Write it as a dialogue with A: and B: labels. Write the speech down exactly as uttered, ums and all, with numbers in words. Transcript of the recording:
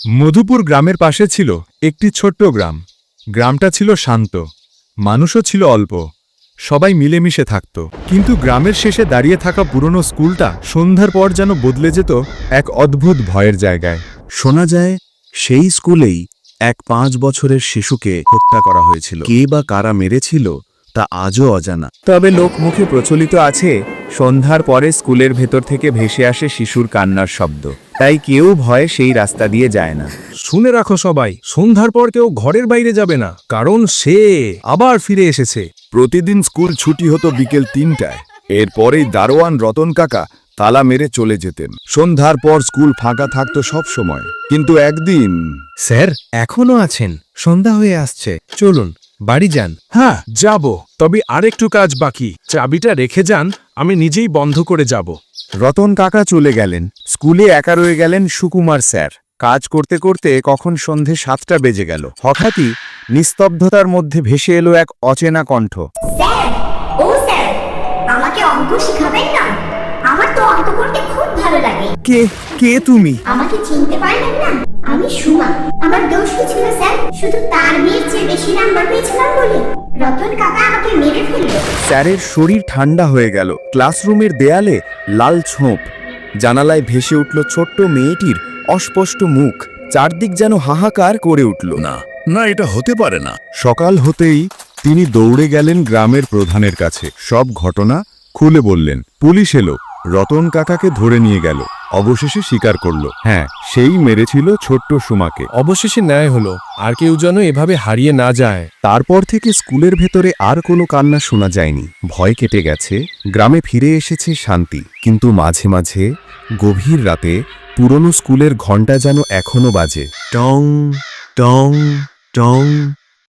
A: মধুপুর গ্রামের পাশে ছিল একটি ছোট্ট গ্রাম। গ্রামটা ছিল শান্ত, মানুষও ছিল অল্প, সবাই মিলেমিশে থাকত। কিন্তু গ্রামের শেষে দাঁড়িয়ে থাকা পুরনো স্কুলটা সন্ধ্যার পর যেন বদলে যেত এক অদ্ভুত ভয়ের জায়গায়।
B: শোনা যায় সেই স্কুলেই এক পাঁচ বছরের শিশুকে হত্যা করা হয়েছিল। কে বা কারা মেরেছিল তা আজও অজানা।
C: তবে লোকমুখে প্রচলিত আছে, সন্ধ্যার পরে স্কুলের ভেতর থেকে ভেসে আসে শিশুর কান্নার শব্দ। তাই কেউ ভয়ে সেই রাস্তা দিয়ে যায় না।
D: শুনে রাখো সবাই, সন্ধ্যার পর কেউ ঘরের বাইরে যাবে না, কারণ সে আবার ফিরে এসেছে।
E: প্রতিদিন স্কুল ছুটি হতো বিকেল তিনটায়। এরপরেই দারোয়ান রতন কাকা তালা মেরে চলে যেতেন। সন্ধ্যার পর স্কুল ফাঁকা থাকতো সব সময়। কিন্তু একদিন
D: স্যার এখনো আছেন? সন্ধ্যা হয়ে আসছে, চলুন বাড়ি যান। হ্যাঁ যাব, তবে আরেকটু কাজ বাকি। চাবিটা রেখে যান, আমি নিজেই বন্ধ করে যাব।
C: রতন কাকা চলে গেলেন। স্কুলে একা রয়ে গেলেন সুকুমার স্যার। কাজ করতে করতে কখন সন্ধে সাতটা বেজে গেল। হঠাৎই নিস্তব্ধতার মধ্যে ভেসে এলো এক অচেনা কণ্ঠ।
F: স্যার, ও স্যার, আমাকে অঙ্ক শিখাবেন না? আমার তো অঙ্ক করতে খুব ভালো লাগে।
C: কে কে তুমি?
F: আমাকে চিনতে পারলেন না? আমি সুমা। আমার দোষ কি ছিল স্যার? শুধু তার মেয়ের চেয়ে বেশি নাম্বার পেয়েছিলাম বলে রতন কাকা আমাকে মেরে ফেললো।
C: স্যারের শরীর ঠান্ডা হয়ে গেল। ক্লাসরুমের দেয়ালে লাল ছোপ, জানালায় ভেসে উঠল ছোট্ট মেয়েটির অস্পষ্ট মুখ। চারদিক যেন হাহাকার করে উঠল।
E: না না এটা হতে পারে না।
A: সকাল হতেই তিনি দৌড়ে গেলেন গ্রামের প্রধানের কাছে। সব ঘটনা খুলে বললেন। পুলিশ এলো, রতন কাকাকে ধরে নিয়ে গেল। অবশেষে স্বীকার করল, হ্যাঁ, সেই মেরেছিল ছোট্ট সুমাকে।
D: অবশেষে ন্যায় হলো, আর কেউ যেন এভাবে হারিয়ে না যায়।
C: তারপর থেকে স্কুলের ভেতরে আর কোনো কান্না শোনা যায়নি। ভয় কেটে গেছে, গ্রামে ফিরে এসেছে শান্তি। কিন্তু মাঝে মাঝে গভীর রাতে পুরনো স্কুলের ঘণ্টা যেন এখনো বাজে।
B: টং টং টং।